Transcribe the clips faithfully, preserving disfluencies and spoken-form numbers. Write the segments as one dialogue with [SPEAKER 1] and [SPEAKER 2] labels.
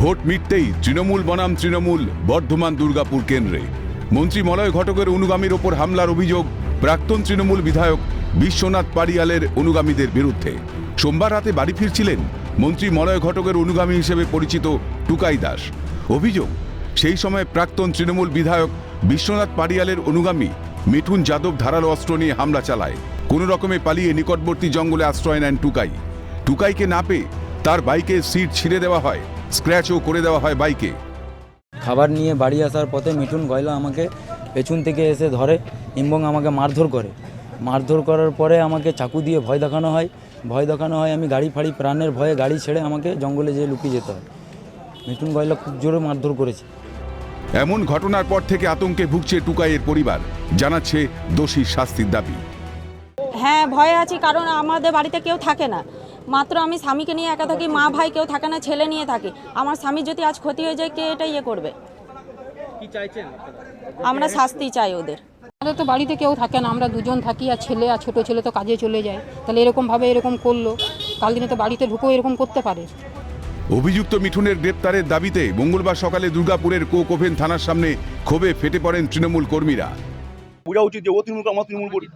[SPEAKER 1] Vote মিটতেই Trinamool বনাম তৃণমূল বর্ধমান দুর্গাপুর কেন্দ্রে মন্ত্রী মলয় ঘটকের অনুগামীর ওপর হামলার অভিযোগ প্রাক্তন তৃণমূল বিধায়ক বিশ্বনাথ পারিয়ালের অনুগামীদের বিরুদ্ধে। সোমবার রাতে বাড়ি ফিরছিলেন মন্ত্রী মলয় ঘটকের অনুগামী হিসেবে পরিচিত টুকাই দাস। অভিযোগ, সেই সময় প্রাক্তন তৃণমূল বিধায়ক বিশ্বনাথ পারিয়ালের অনুগামী মিঠুন যাদব ধারালো অস্ত্র নিয়ে হামলা চালায়। কোনো রকমে পালিয়ে নিকটবর্তী জঙ্গলে আশ্রয় নেন টুকাই। টুকাইকে না পেয়ে তার বাইকের সিট ছিঁড়ে দেওয়া হয়, স্ক্র্যাচও করে দেওয়া হয় বাইকে।
[SPEAKER 2] খাবার নিয়ে বাড়ি আসার পথে মিঠুন গয়লা আমাকে পেছন থেকে এসে ধরে এবং আমাকে মারধর করে। মারধর করার পরে আমাকে চাকু দিয়ে ভয় দেখানো হয়। ভয় দেখানো হয় আমি গাড়ি ফাড়ি প্রাণের ভয়ে গাড়ি ছেড়ে আমাকে জঙ্গলে যেয়ে লুকিয়ে যেতে হয়। মিঠুন গয়লা খুব জোরে মারধর করেছে।
[SPEAKER 1] এমন ঘটনার পর থেকে আতঙ্কে ভুগছে টুকাইয়ের পরিবার, জানাচ্ছে দোষীর শাস্তির দাবি।
[SPEAKER 3] হ্যাঁ, ভয়ে আছি, কারণ আমাদের বাড়িতে কেউ থাকে না, মাত্র আমি স্বামীকে নিয়ে একা থাকি। মা ভাই কেউ থাকে না, ছেলে নিয়ে থাকি। আমার স্বামীর যদি আজ ক্ষতি হয়ে যায়, কে এটা ইয়ে করবে?
[SPEAKER 4] কি চাইছেন?
[SPEAKER 3] আমরা শাস্তি চাই ওদের।
[SPEAKER 5] আমাদের তো বাড়িতে কেউ থাকে না, আমরা দুজন থাকি, আর ছেলে আর ছোটো ছেলে তো কাজে চলে যায়। তাহলে এরকমভাবে এরকম করলো, কাল দিনে তো বাড়িতে ঢুকেও এরকম করতে পারে।
[SPEAKER 1] অভিযুক্ত মিঠুনের গ্রেপ্তারের দাবিতে মঙ্গলবার সকালে দুর্গাপুরের কোক ওভেন থানার সামনে ক্ষোভে ফেটে পড়েন তৃণমূল কর্মীরা।
[SPEAKER 6] বোঝা উচিত যে ও তৃণমূল, আমার তৃণমূল করি,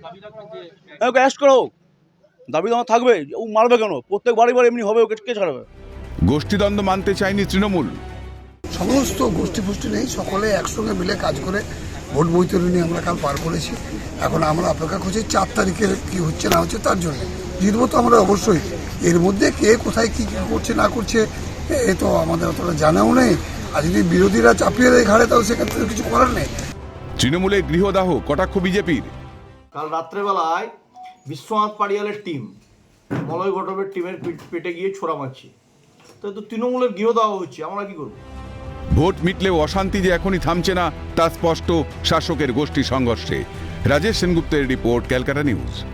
[SPEAKER 6] ওকে অ্যারেস্ট করো। দাবি তো আমার থাকবে, ও মারবে কেন? প্রত্যেক বাড়ি বাড়ি এমনি হবে, ওকে কে ছাড়বে?
[SPEAKER 1] গোষ্ঠীদ্বন্দ্ব মানতে চায়নি তৃণমূল।
[SPEAKER 7] সমস্ত গোষ্ঠী ফুষ্টি নেই, সকলে একসঙ্গে মিলে কাজ করে ভোট বৈতরণী আমরা কাল পার করেছি। এখন আমরা অপেক্ষা করছি চার তারিখের কি হচ্ছে না হচ্ছে তার জন্য। জিতবো তো আমরা অবশ্যই। এর মধ্যে কে কোথায় কি করছে না করছে এ তো আমাদের অতটা জানাও নেই। আর যদি বিরোধীরা চাপিয়ে দেয় ঘাড়ে, তাহলে সেক্ষেত্রে কিছু করার নেই।
[SPEAKER 1] তৃণমূলের গৃহদাহ কটাক্ষ বিজেপির।
[SPEAKER 8] কাল রাত্রেবেলায় বিশ্বনাথ পারিয়ালের টিম মলয় ঘটকের টিমের পেটে গিয়ে ছোড়া মারছে, তো তো তৃণমূলের গৃহদাহ হচ্ছে, আমরা কি করব?
[SPEAKER 1] ভোট মিটলেও অশান্তি যে এখনই থামছে না তা স্পষ্ট শাসকের গোষ্ঠী সংঘর্ষে। রাজেশ সেনগুপ্তের রিপোর্ট, ক্যালকাটা নিউজ।